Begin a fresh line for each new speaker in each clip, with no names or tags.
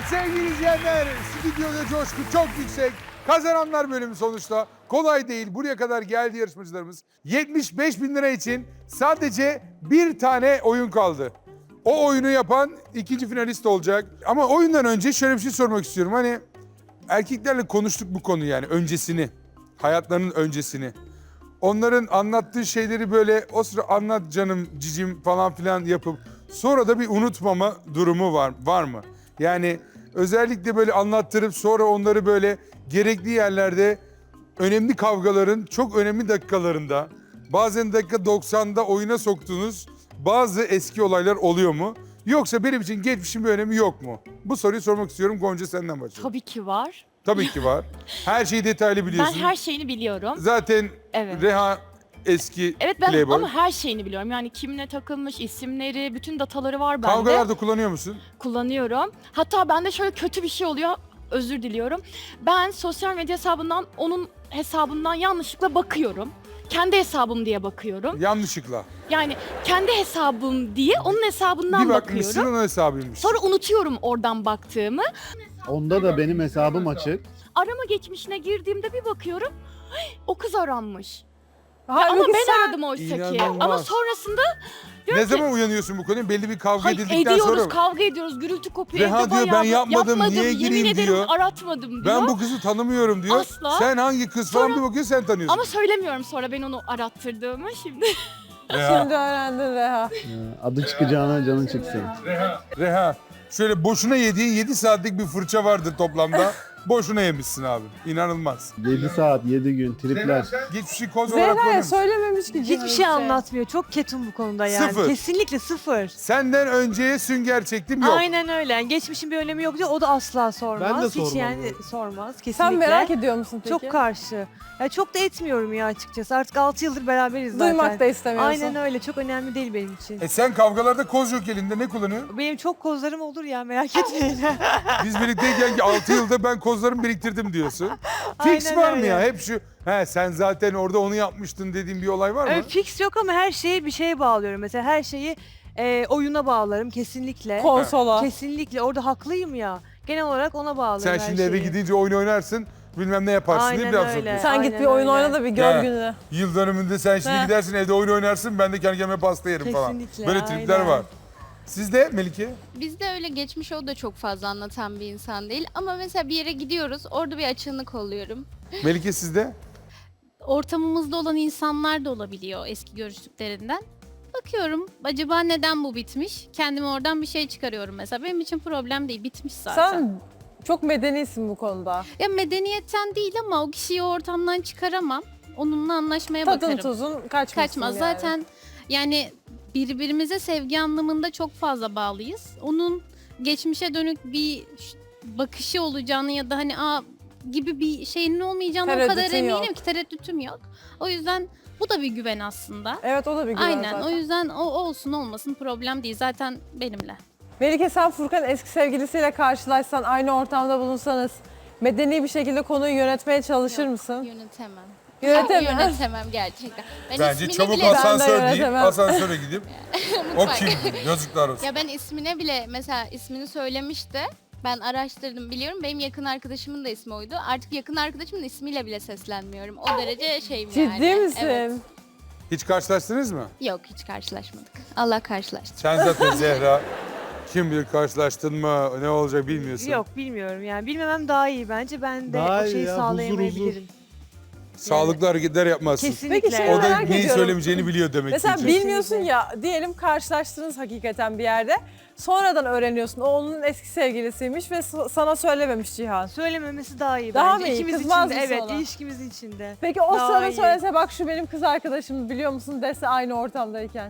sevgili izleyenler, stüdyoda coşku çok yüksek. Kazananlar bölümü sonuçta kolay değil. Buraya kadar geldi yarışmacılarımız. 75 bin lira için sadece bir tane oyun kaldı. O oyunu yapan ikinci finalist olacak. Ama oyundan önce şöyle bir şey sormak istiyorum. Hani erkeklerle konuştuk bu konu yani öncesini. Hayatlarının öncesini. Onların anlattığı şeyleri böyle o sıra anlat canım cicim falan filan yapıp sonra da bir unutmama durumu var mı? Yani özellikle böyle anlattırıp sonra onları böyle gerekli yerlerde önemli kavgaların çok önemli dakikalarında bazen dakika 90'da oyuna soktuğunuz bazı eski olaylar oluyor mu? Yoksa benim için geçmişin bir önemi yok mu? Bu soruyu sormak istiyorum. Gonca senden başlayalım.
Tabii ki var.
Tabii ki var. Her şeyi detaylı
Ben
biliyorsun.
her şeyini biliyorum.
Zaten
Evet.
Reha eski
Evet ben
playboy.
ama her şeyini biliyorum. Yani kimle takılmış, isimleri, bütün dataları var bende.
Kavgalarda kullanıyor musun?
Kullanıyorum. Hatta bende şöyle kötü bir şey oluyor. Özür diliyorum. Ben sosyal medya hesabından onun hesabından yanlışlıkla bakıyorum. Kendi hesabım diye bakıyorum.
Yanlışlıkla.
Yani kendi hesabım diye onun hesabından
Bir bakmışsın
bakıyorum.
onun hesabıymış.
Sonra unutuyorum oradan baktığımı.
Onda da benim hesabım açık.
Arama geçmişine girdiğimde bir bakıyorum. O kız aranmış.
Halbuki
Ama ben
sen-
aradım oysa ki.
İnanılmaz.
Ama sonrasında
Ne zaman uyanıyorsun bu konuya? Belli bir kavga
hayır,
edildikten
ediyoruz,
sonra mı?
kavga ediyoruz, gürültü kopuyor.
Reha
evde
diyor,
bayağı
ben yapmadım, niye
yemin
gireyim
ederim
diyor.
aratmadım diyor.
Ben bu kızı tanımıyorum diyor.
Asla.
Sen hangi kız falan
Sonra-
bir bakıyor sen tanıyorsun.
Ama söylemiyorum sonra ben onu arattırdığımı şimdi.
Reha,
Şimdi öğrendin Reha.
Adı çıkacağına canın çıksın.
Reha. Şöyle boşuna yediğin 7 saatlik bir fırça vardır toplamda. Boşuna yemişsin abi. İnanılmaz.
7 saat, 7 gün, tripler.
Geçmişi koz olarak
Zehra'ya
koyuyorsun.
söylememiş ki.
Hiçbir şey anlatmıyor. Çok ketum bu konuda yani.
Sıfır.
Kesinlikle sıfır.
Senden önceye sünger çektim yok.
Aynen öyle. Yani geçmişin bir önemi yok diyor. O da asla sormaz.
Ben de
Hiç
sormam
yani
bunu.
sormaz kesinlikle.
Sen merak ediyor musun peki?
Çok karşı. Ya çok da etmiyorum ya açıkçası. Artık 6 yıldır beraberiz zaten.
Duymak da istemiyorsun.
Aynen öyle. Çok önemli değil benim için.
Sen kavgalarda koz yok elinde ne kullanıyorsun?
Benim çok kozlarım olur ya merak etmeyin.
Biz birlikteyken 6 yılda ben kozlarımı biriktirdim diyorsun. Fix
Aynen
var mı
öyle.
ya? Hep şu, sen zaten orada onu yapmıştın dediğin bir olay var mı?
Fix yok ama her şeyi bir şeye bağlıyorum. Mesela her şeyi oyuna bağlarım kesinlikle.
Konsola.
Kesinlikle. Orada haklıyım ya. Genel olarak ona bağlarım
Sen
her
şimdi eve
şeyi.
gidince oyun oynarsın, bilmem ne yaparsın diye
Aynen
bir laf
öyle.
sokuyorsun.
Sen git
Aynen
bir oyun
öyle.
oyna da bir gör
Ya.
gününü.
Yıl dönümünde sen şimdi
Heh.
gidersin evde oyun oynarsın, ben de kendi kendime pasta yerim falan.
Kesinlikle,
Böyle tripler
aynen.
var. Sizde Melike?
Bizde öyle geçmiş o da çok fazla anlatan bir insan değil. Ama mesela bir yere gidiyoruz, orada bir açığını kolluyorum.
Melike sizde?
Ortamımızda olan insanlar da olabiliyor eski görüştüklerinden. Bakıyorum acaba neden bu bitmiş? Kendime oradan bir şey çıkarıyorum mesela. Benim için problem değil, bitmiş zaten.
Sen çok medenisin bu konuda.
Ya medeniyetten değil ama o kişiyi o ortamdan çıkaramam. Onunla anlaşmaya
Tadın
bakarım.
tuzun kaçmasın
Kaçmaz.
yani.
Zaten yani birbirimize sevgi anlamında çok fazla bağlıyız. Onun geçmişe dönük bir bakışı olacağını ya da hani gibi bir şeyinin olmayacağını o kadar
Tereddütün
eminim
yok.
ki tereddütüm yok. O yüzden bu da bir güven aslında.
Evet o da bir güven
Aynen.
zaten.
O yüzden o olsun olmasın problem değil. Zaten benimle.
Melike sen Furkan eski sevgilisiyle karşılaşsan, aynı ortamda bulunsanız medeni bir şekilde konuyu yönetmeye çalışır mısın?
Yönetemem.
Yönetemem.
Yönetemem gerçekten. Ben
Bence
ismini
çabuk
bile
asansör
Ben de
deyip
yönetemem.
asansöre gidip o
Mutfak.
kim? Yazıklar olsun.
Ya ben ismine bile mesela ismini söylemişti. Ben araştırdım biliyorum. Benim yakın arkadaşımın da ismi oydu. Artık yakın arkadaşımın ismiyle bile seslenmiyorum. O derece şeyim yani.
Ciddi misin?
Evet.
Hiç karşılaştınız mı?
Yok hiç karşılaşmadık. Allah karşılaştı.
Sen zaten Zehra, kim bilir karşılaştın mı, ne olacak bilmiyorsun.
Yok bilmiyorum yani. Bilmemem daha iyi bence. Ben de
Daha
o
iyi
şeyi
ya, huzur,
sağlayamayabilirim.
Sağlıklı hareketler yapmazsın.
Kesinlikle.
Peki şey
O da
merak
neyi
ediyorum.
söylemeyeceğini biliyor demek
Mesela
ki.
bilmiyorsun ya, diyelim karşılaştınız hakikaten bir yerde. Sonradan öğreniyorsun o onun eski sevgilisiymiş ve sana söylememiş Cihan.
Söylememesi daha iyi
Daha
bence.
mı iyi?
İkimiz
Kızmaz
için de,
mısın
evet,
ona?
ilişkimizin içinde.
Peki o
Daha
sana
iyi.
söylese bak şu benim kız arkadaşım biliyor musun dese aynı ortamdayken.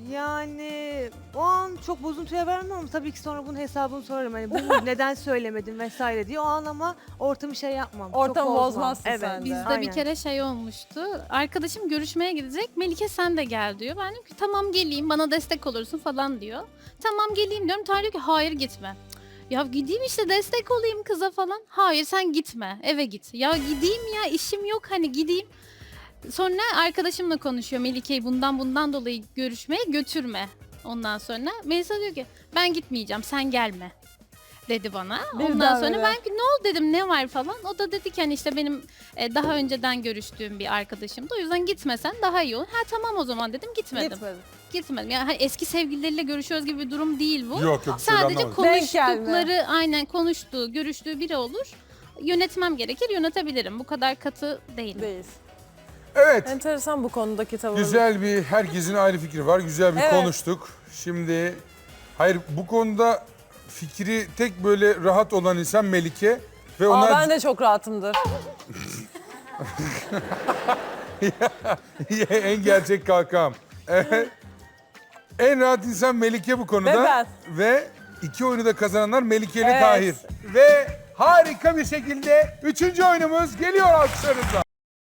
Yani o an çok bozuntuya vermem ama tabii ki sonra bunun hesabını sorarım. Hani bunu neden söylemedin vesaire diye. O an ama ortamı şey yapmam. çok
Ortamı
bozmam.
bozmazsın
evet,
sen de.
Bizde
aynen.
bir kere şey olmuştu. Arkadaşım görüşmeye gidecek. Melike sen de gel diyor. Ben diyorum ki tamam geleyim bana destek olursun falan diyor. Tamam geleyim diyorum. Tarık diyor ki hayır gitme. Ya gideyim işte destek olayım kıza falan. Hayır sen gitme eve git. Ya gideyim ya işim yok hani gideyim. Sonra arkadaşımla konuşuyor Melike'yi bundan dolayı görüşmeye götürme. Ondan sonra Melisa diyor ki ben gitmeyeceğim sen gelme. dedi bana.
Birden
Ondan sonra
böyle.
ben ne oldu dedim, ne var falan. O da dedi ki hani işte benim daha önceden görüştüğüm bir arkadaşımdı. O yüzden gitmesen daha iyi olur. Ha tamam o zaman dedim, gitmedim.
Gitmedim.
Gitmedim. Yani hani eski sevgilileriyle görüşüyoruz gibi bir durum değil bu.
Yok yok.
Sadece
anlamadım.
Denk gelme.
konuştukları, aynen konuştuğu, görüştüğü biri olur. Yönetmem gerekir, yönetebilirim. Bu kadar katı değilim.
Değil.
Evet.
Enteresan bu konudaki tavır.
Güzel bir, herkesin ayrı fikri var. Güzel bir
Evet.
konuştuk. Şimdi, hayır bu konuda fikri tek böyle rahat olan insan Melike. Ve
Aa,
ona
ben de çok rahatımdır.
en gerçek kalkam. Evet. En rahat insan Melike bu konuda.
Ve ben.
Ve 2 oyunu da kazananlar Melike ile
Evet.
Tahir. Ve harika bir şekilde 3. oyunumuz geliyor alkışlarınızla.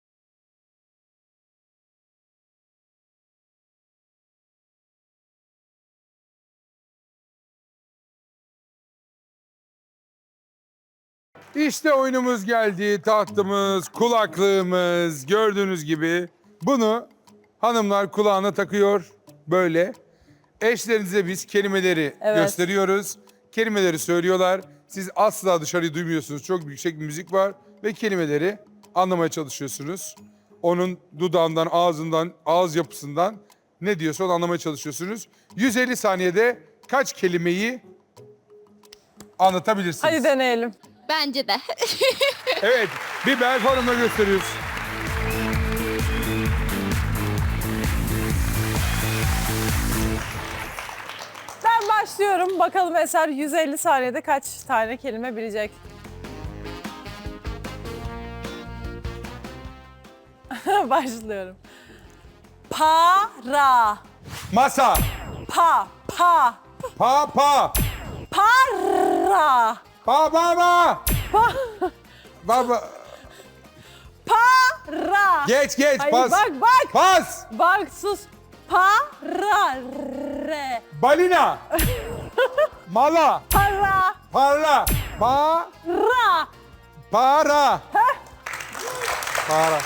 İşte oyunumuz geldi. Tahtımız, kulaklığımız gördüğünüz gibi. Bunu hanımlar kulağına takıyor böyle. Eşlerinize biz kelimeleri
Evet.
gösteriyoruz. Kelimeleri söylüyorlar. Siz asla dışarıyı duymuyorsunuz. Çok yüksek bir müzik var ve kelimeleri anlamaya çalışıyorsunuz. Onun dudağından, ağzından, ağız yapısından ne diyorsa onu anlamaya çalışıyorsunuz. 150 saniyede kaç kelimeyi anlatabilirsiniz?
Hadi deneyelim.
Bence de.
Evet, bir performla gösteriyoruz.
Ben başlıyorum. Bakalım Eser 150 saniyede kaç tane kelime bilecek? Başlıyorum. Para.
Masa,
Pa.
pa,
Para.
pa, baba, baba.
Para.
Geç,
Ay,
pas.
bak.
Pas,
Bak sus. Para. Re.
balina, mala,
Para.
parla, pa,
Ra.
para. Para.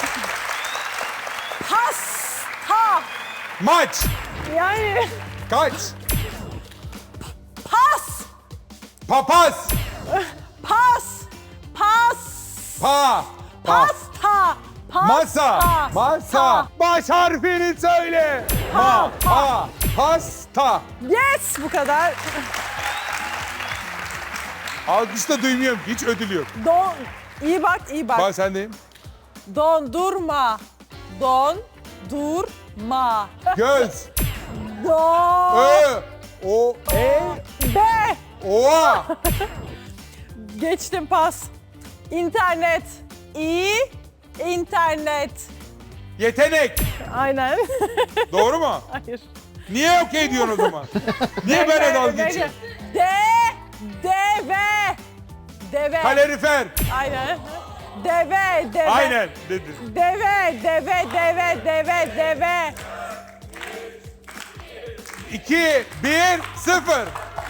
Pasta.
Maç,
Yani
kaç,
pas.
papaz,
Pas.
pa,
Pasta.
masa,
Pasta.
masa. Baş harfini söyle. Ma, pa, pasta.
Yes, bu kadar.
Alkışta duymuyorum, hiç ödül yok.
İyi bak, iyi bak.
Ben sendeyim.
Dondurma. Dondurma.
Göz,
Do.
ö, o,
Be.
oa.
Geçtim pas. İnternet. İnternet.
Yetenek.
Aynen.
Doğru mu?
Hayır.
Niye okey diyorsun o zaman? Niye böyle dalga geçiyorsun?
Deve. Deve.
Kalorifer.
Aynen. Deve.
Aynen dedi.
Deve.
2, 1, 0.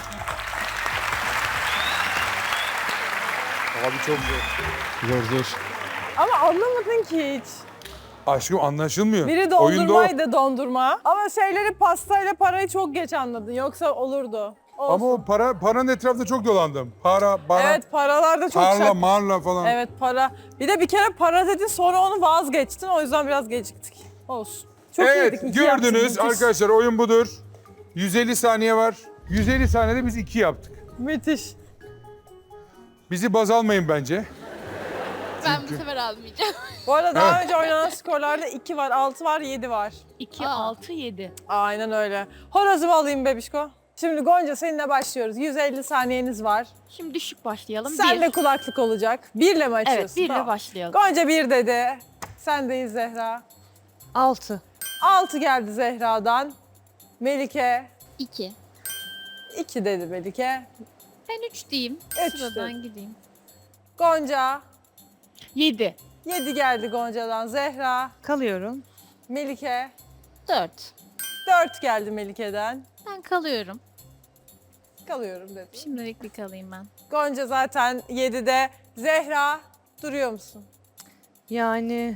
Abi çok zor.
Zor.
Ama anlamadın ki hiç.
Aşkım anlaşılmıyor.
Biri
Oyunda o.
dondurmaydı dondurma. Ama şeyleri pastayla parayı çok geç anladın. Yoksa olurdu. Olsun.
Ama o paranın etrafında çok dolandım. Para,
Evet, paralar da çok
parla,
şak.
marla falan.
Evet, para. Bir kere para dedin, sonra onu vazgeçtin. O yüzden biraz geciktik. Olsun. Çok
Evet,
iyiydik. İki yaptık,
gördünüz
müthiş.
arkadaşlar oyun budur. 150 saniye var. 150 saniyede biz 2 yaptık.
Müthiş.
Bizi baz almayın bence.
Ben bu sefer almayacağım.
Bu arada daha önce oynanan skorlarda 2 var, 6 var, 7 var.
2, 6, 7.
Aynen öyle. Horozumu alayım bebişko. Şimdi Gonca seninle başlıyoruz. 150 saniyeniz var.
Şimdi düşük başlayalım.
Sen
Bir.
de kulaklık olacak. 1 ile mi açıyorsun?
Evet, 1 ile
Tamam.
başlayalım.
Gonca 1 dedi. Sendeyiz Zehra.
6.
6 geldi Zehra'dan. Melike
2.
2 dedi Melike.
Ben 3 diyeyim.
Üç
Sıradan
de.
gideyim.
Gonca
7.
7 geldi Gonca'dan. Zehra,
Kalıyorum.
Melike
4.
4 geldi Melike'den.
Ben kalıyorum.
Kalıyorum dedi.
Şimdilik bir kalayım ben.
Gonca zaten 7'de. Zehra duruyor musun?
Yani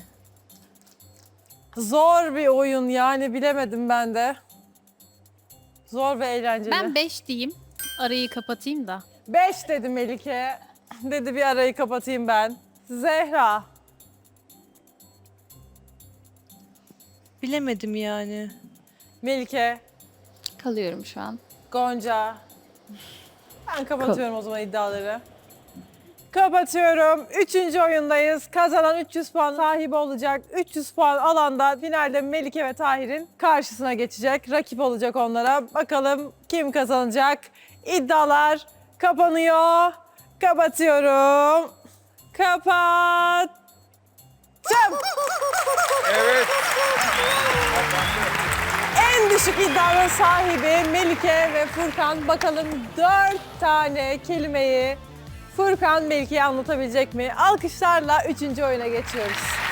Zor bir oyun yani bilemedim ben de. Zor ve eğlenceli.
Ben 5 diyeyim. Arayı kapatayım da.
5 dedi Melike. Dedi bir arayı kapatayım ben. Zehra.
Bilemedim yani.
Melike.
Kalıyorum şu an.
Gonca. Ben kapatıyorum o zaman iddiaları. Kapatıyorum. 3. oyundayız. Kazanan 300 puan sahibi olacak. 300 puan alanda finalde Melike ve Tahir'in karşısına geçecek. Rakip olacak onlara. Bakalım kim kazanacak? İddialar kapanıyor. Kapatıyorum. Kapattım.
Evet.
En düşük iddianın sahibi Melike ve Furkan. Bakalım 4 tane kelimeyi Furkan Melike'ye anlatabilecek mi? Alkışlarla 3. oyuna geçiyoruz.